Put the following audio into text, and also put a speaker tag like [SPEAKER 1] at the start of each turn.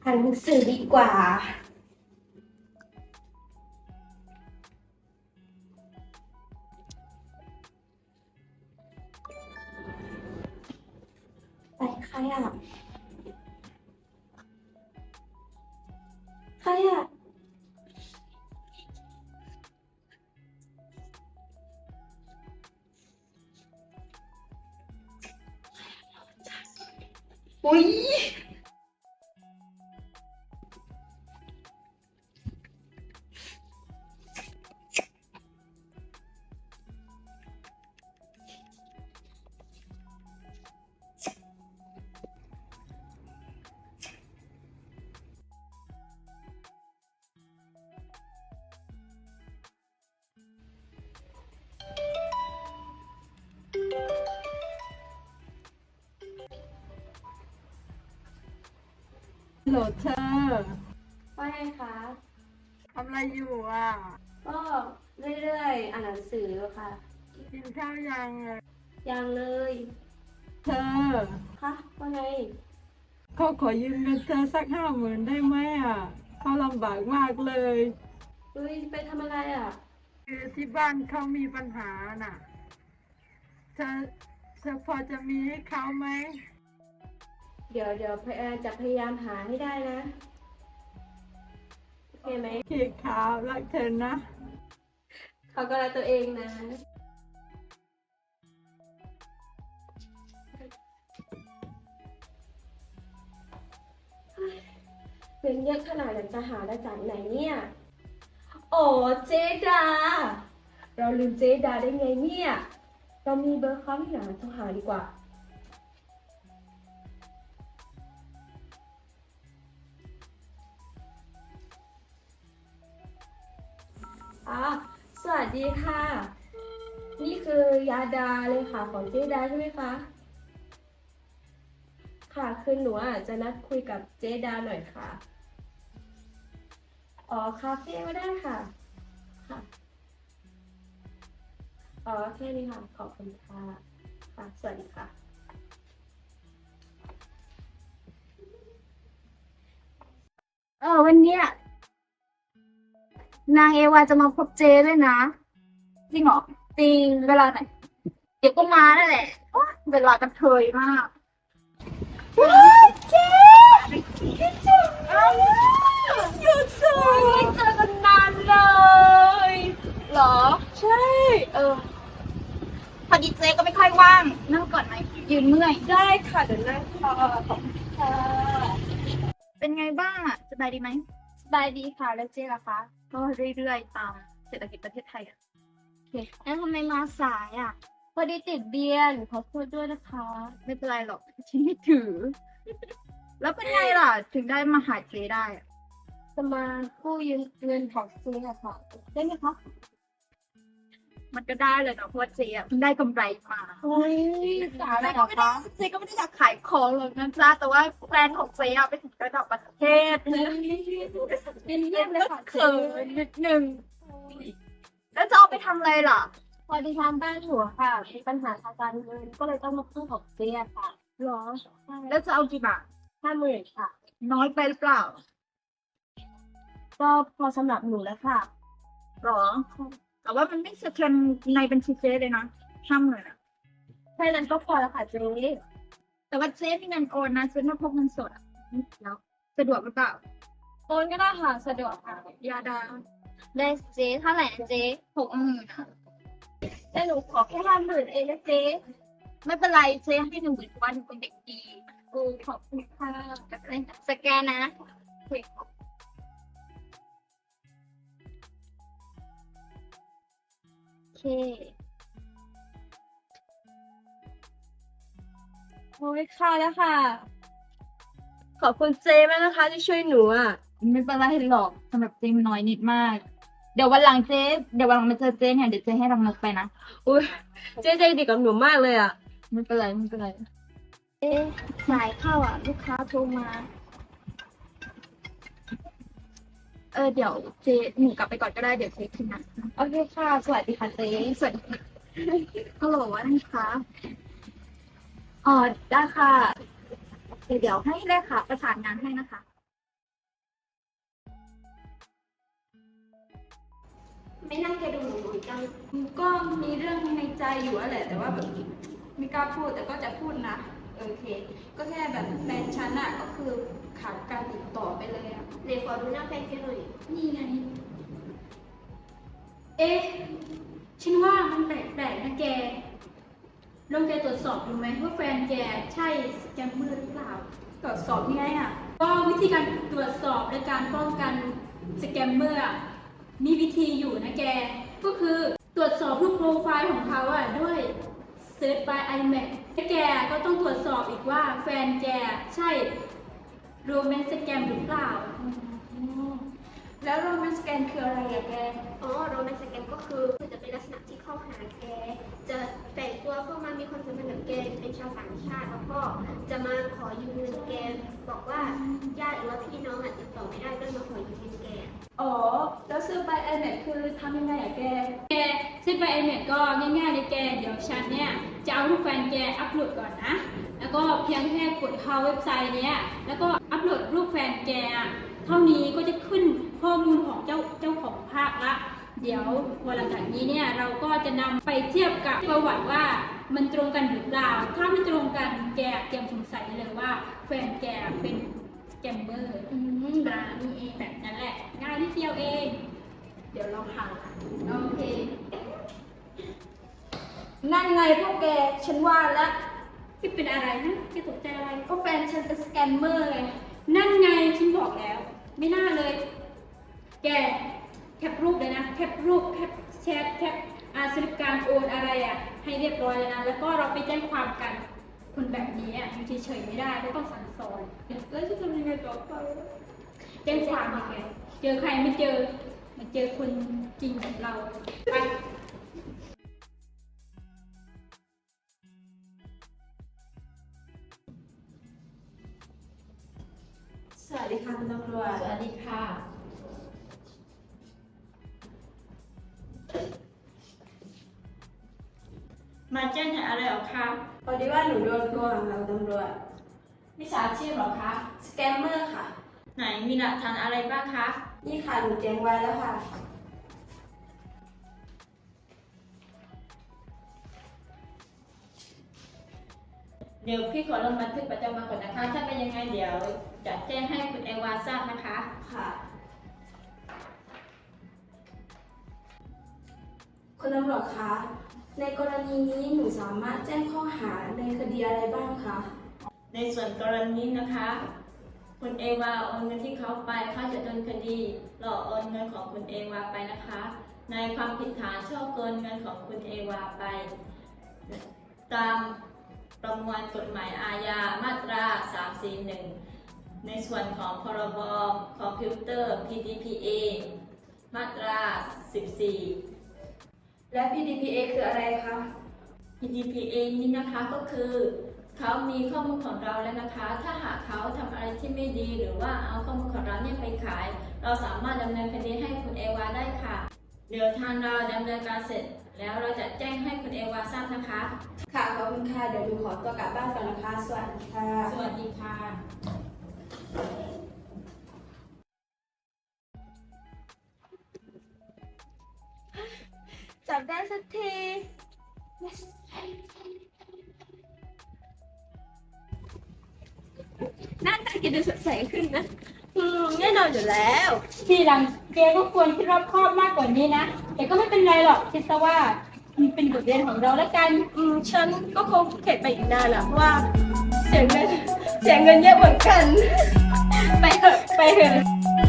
[SPEAKER 1] านหนังสือดีกว่าไปใครอ่ะใครอ่ะอุ้ย
[SPEAKER 2] โหลดเธอ
[SPEAKER 1] ว่าไงคะ
[SPEAKER 2] ทำอะไรอยู่อ่ะ
[SPEAKER 1] ก็เรื่อยๆอ่านหนังสือค่ะ
[SPEAKER 2] กินข้าวยังอ่ะ
[SPEAKER 1] ยังเลย
[SPEAKER 2] เธอ
[SPEAKER 1] คะว่าไง
[SPEAKER 2] เขาขอยืมเงินเธอสัก50,000ได้ไหมอ่ะเขาลำบากมากเลย
[SPEAKER 1] เฮ้ยไปทำอะไรอ่ะ
[SPEAKER 2] คือที่บ้านเขามีปัญหาน่ะเธอเธอพอจะมีให้เขาไหม
[SPEAKER 1] เดี๋ยวจะพยายามหาให้ได้นะ โอเคไหม
[SPEAKER 2] พี่ขาวรักเธอนะ
[SPEAKER 1] เขาก็รักตัวเองนะ เป็นเยอะขนาดนั้นจะหาได้จากไหนเนี่ยโอ้เจดา เราลืมเจดาได้ไงเนี่ย เรามีเบอร์เขาที่ไหนโทรหาดีกว่าอ่าสวัสดีค่ะ นี่คือยาดาเลยค่ะของเจดาใช่ไหมคะ ค่ะคือหนูจะนัดคุยกับเจดาหน่อยค่ะ อ๋อคาเฟ่ก็ได้ค่ะ ค่ะ อ๋อแค่นี้ค่ะ ขอบคุณค่ะ ค่ะ สวัสดีค่ะ
[SPEAKER 3] วันเนี้ยนางเอวาจะมาพบเจด้วยนะจริงเหรอจริงเวลาไหนเดี๋ยวก็มานั่นแหละโอ๊ยเวลากระเทยมากว้าวเจ๊คิดถึงมากหยุดสิไม่เจอกันนานเลยเหรอใช่พอดีเจ๊ก็ไม่ค่อยว่างนั่งก่อนไหมยืนเมื่อย
[SPEAKER 1] ได้ค่ะเดี๋ยวนั่งรอขอบคุณค่ะ
[SPEAKER 3] เป็นไงบ้างอะสบายดีไหมสบายดีค่ะแล้วเจ๊ล่ะคะก็เรื่อยๆตามเศรษฐกิจประเทศไทยอะ โอเคแล้วทำไมมาสายอ่ะ
[SPEAKER 1] พอดีติดเบียร์ขอโทษด้วยนะคะ
[SPEAKER 3] ไม่เป็นไรหรอกฉันไม่ถือ แล้วเป็นไงล่ะ ถึงได้มาหาเจได้อะ
[SPEAKER 1] จะมากู้ยืมเงินของซื้ออะค่ะ ได้ไหมคะ
[SPEAKER 3] มันก็ได้เลยเนาะเพราะว่าเจอ่ะเพิ่งได้กำไรมา
[SPEAKER 1] โอ้ยสา
[SPEAKER 3] เจ
[SPEAKER 1] ระเหร
[SPEAKER 3] ก็
[SPEAKER 1] อ
[SPEAKER 3] ไม่ได้
[SPEAKER 1] คะ
[SPEAKER 3] เจก็ไม่ได้อยากขายของหรอกนะจ๊ะแต่ว่าแบรนด์ของเจอ่ะไปถึงระดับประเทศนะ
[SPEAKER 1] เป็นเยี่ยมเลยค่ะ
[SPEAKER 3] เขินนิดนึงแล้วจะเอาไปทำอะไรล่ะ
[SPEAKER 1] พอดีทางบ้านหนูอะค่ะมีปัญหาทางการเงินก็เลยต้องมากู้ของเจ๊อะค่ะ
[SPEAKER 3] หรอ แล้วจะเอากี่บาท
[SPEAKER 1] 50,000ค่ะ
[SPEAKER 3] น้อยไปหรือเปล่า
[SPEAKER 1] ก็พอสำหรับหนูแล้วค่ะ
[SPEAKER 3] หรอ แต่ว่ามันไม่สะเทือนในบัญชีเจ๊เลยนะ50,000อ่ะ
[SPEAKER 1] แค่นั้นก็พอแล้วค่ะเจ๊
[SPEAKER 3] แต่ว่าเจ๊มีเงินโอนนะเจ๊ไม่พกเงินสดอะแล้วสะดวกหรือเปล่า
[SPEAKER 1] โอนก็ได้ค่ะสะดวกค่ะ
[SPEAKER 3] ยาดาได้เจ๊เท่าไหร่นะเจ๊60,000ค่ะ
[SPEAKER 1] แต่หนูขอแค่50,000เองนะเจ๊
[SPEAKER 3] ไม่เป็นไรเจ๊ให้10,000เพราะว่าหนูเป็นเด็กดี
[SPEAKER 1] ขอบคุณค่ะ
[SPEAKER 3] สแกนนะโอเค
[SPEAKER 1] โอ้ยค่ะแล้วค่ะ ขอบคุณเจ๊มากนะคะที่ช่วยหนูอ่ะ
[SPEAKER 3] ไม่เป็นไรหรอกสำหรับเจ๊มันน้อยนิดมาก เดี๋ยววันหลังมาเจอเจ๊เนี่ยเดี๋ยวเจ๊ให้รางวัลไปนะ
[SPEAKER 1] อุ้ยเจ๊ใจดีกับหนูมากเลยอ่ะ
[SPEAKER 3] ไม่เป็นไรสายเข้าอ่ะ ลูกค้าโทรมา เดี๋ยวเจ๊หนูกลับไปก่อนก็ได้เดี๋ยวเจ๊ขึ้นนะ
[SPEAKER 1] โอเคค่ะ สวัสดีค่ะเจ๊
[SPEAKER 3] สวัสดีค่ะฮัลโหลว่าไงคะ
[SPEAKER 1] อ๋อได้ค่ะ
[SPEAKER 3] เดี๋ยวให้เลขาประสานงานให้นะคะ
[SPEAKER 1] ไม่น่าแกดูหนุ่มๆจัง
[SPEAKER 3] ก็มีเรื่องในใจอยู่อะแหละแต่ว่าแบบไม่กล้าพูดแต่ก็จะพูดนะโอเค ก็แค่แบบแฟนฉันอะก็คือขาดการติดต่อไปเลยอะ
[SPEAKER 1] เดี๋ยวขอดูหน้าแฟนแกหน่อย
[SPEAKER 3] นี่ไง เอ๊ะฉันว่ามันแปลกๆนะแกลองแกตรวจสอบดูไหมว่าแฟนแกใช่สแกมเมอร์หรือเปล่าตรวจสอบยังไงอะก็วิธีการตรวจสอบและการป้องกันสแกมเมอร์อะมีวิธีอยู่นะแกก็คือตรวจสอบรูปโปรไฟล์ของเขาอะด้วย Search by iMac และแกก็ต้องตรวจสอบอีกว่าแฟนแกใช่โรแมนต์สแกมหรือเปล่าแล้วโรแมนต์สแกมคืออะไรอะแก
[SPEAKER 1] อ๋อโรแมนต์สแกมก็คือจะเป็นลักษณะที่เข้าหาแก จะแฝงตัวเข้ามามีความสัมพันธ์กับแกเป็นชาวต่างชาติ แล้วก็จะมาขอยืมเงินแก บอกว่าญาติหรือว่าพี่น้องติดต่อไม่ได้ก็เลยมาขอยืมเงินแก
[SPEAKER 3] อ๋อ แล้วซื้อ by iMac คือทำยังไงอะแกซื้อ by iMac ก็ง่ายๆเลยแก เดี๋ยวฉันเนี่ยจะเอารูปแฟนแกอัปโหลดก่อนนะ แล้วก็เพียงแค่กดเข้าเว็บไซต์เนี้ยแล้วก็อัปโหลดรูปแฟนแกอะเท่านี้ก็จะขึ้นข้อมูลของเจ้าของภาพละ เดี๋ยววันหลังจากนี้เนี่ยเราก็จะนำไปเทียบกับประวัติว่ามันตรงกันหรือเปล่า ถ้าไม่ตรงกันแกเตรียมสงสัยเลยว่าแฟนแกเป็นสแกมเมอร์นี่เองแบบนั้นแหละง่ายนิดเดียวเอง เดี๋ยวเราหาโอเค นั่นไงพวกแกฉันว่าแล้วที่เป็นอะไรนะแกตกใจอะไรก็แฟนฉันเป็นสแกมเมอร์ไงนั่นไงฉันบอกแล้ว ไม่น่าเลย แกแคปรูปเลยนะแคปรูปแคปแชทแคปสลิปการโอนอะไรอ่ะให้เรียบร้อยเลยนะแล้วก็เราไปแจ้งความกันคนแบบนี้อ่ะอยู่เฉยๆไม่ได้ก็ต้องสั่งสอนแล้วจะทำยังไงต่อไปแจ้งความยังไงเจอใครไม่เจอมาเจอคนจริงของเราไป
[SPEAKER 1] สวัสดีค่ะคุณตำรวจ
[SPEAKER 3] สวัสดีค่ะ มาแจ้งเหตุอะไรหรอคะ
[SPEAKER 1] พอดีว่าหนูโดนโกงค่ะคุณตำรวจ
[SPEAKER 3] มิจฉาชีพหรอคะ
[SPEAKER 1] สแกมเมอร์ค่ะ
[SPEAKER 3] ไหนมีหลักฐานอะไรบ้างคะ
[SPEAKER 1] นี่ค่ะหนูเตรียมไว้แล้วค่ะ
[SPEAKER 3] เดี๋ยวพี่ขอลงบันทึกประจำวันก่อนนะคะ ถ้าเป็นยังไงเดี๋ยวจะแจ้งให้คุณเอวาทราบนะคะ
[SPEAKER 1] ค่ะ คุณตำรวจคะ ในกรณีนี้หนูสามารถแจ้งข้อหาในคดีอะไรบ้างคะ
[SPEAKER 3] ในส่วนกรณีนะคะ คุณเอวาโอนเงินที่เขาไปเขาจะโดนคดีหลอกโอนเงินของคุณเอวาไปนะคะ ในความผิดฐานช่อโกงเงินของคุณเอวาไป ตามประมวลกฎหมายอาญามาตรา 341 ในส่วนของพรบคอมพิวเตอร์ PDPA มาตรา 14
[SPEAKER 1] และ PDPA คืออะไรคะ
[SPEAKER 3] PDPA นี้นะคะก็คือเขามีข้อมูลของเราแล้วนะคะ ถ้าหากเขาทำอะไรที่ไม่ดีหรือว่าเอาข้อมูลของเราเนี่ยไปขาย เราสามารถดำเนินคดีให้คุณเอวาได้ค่ะ เดี๋ยวทางเราดำเนินการเสร็จ แล้วเราจะแจ้งให้คุณเอวาทราบนะคะ
[SPEAKER 1] ค่ะ ขอบคุณค่ะ เดี๋ยวหนูขอตัวกลับบ้านก่อนนะคะ สวัสดีค่ะ
[SPEAKER 3] สวัสดีค่ะ
[SPEAKER 1] จับได้สักที หน้าตาแกดูสดใสขึ้นนะแน่นอนอยู่แล้ว
[SPEAKER 3] ทีหลังเกก็ควรคิดรอบคอบมากกว่านี้นะ แต่ก็ไม่เป็นไรหรอกคิดซะว่ามันเป็นบทเรียนของเราแล้วกัน
[SPEAKER 1] ฉันก็คงเข็ดไปอีกนานแหละเพราะว่าเสียเงินเยอะเหมือนกัน ไปเถอะ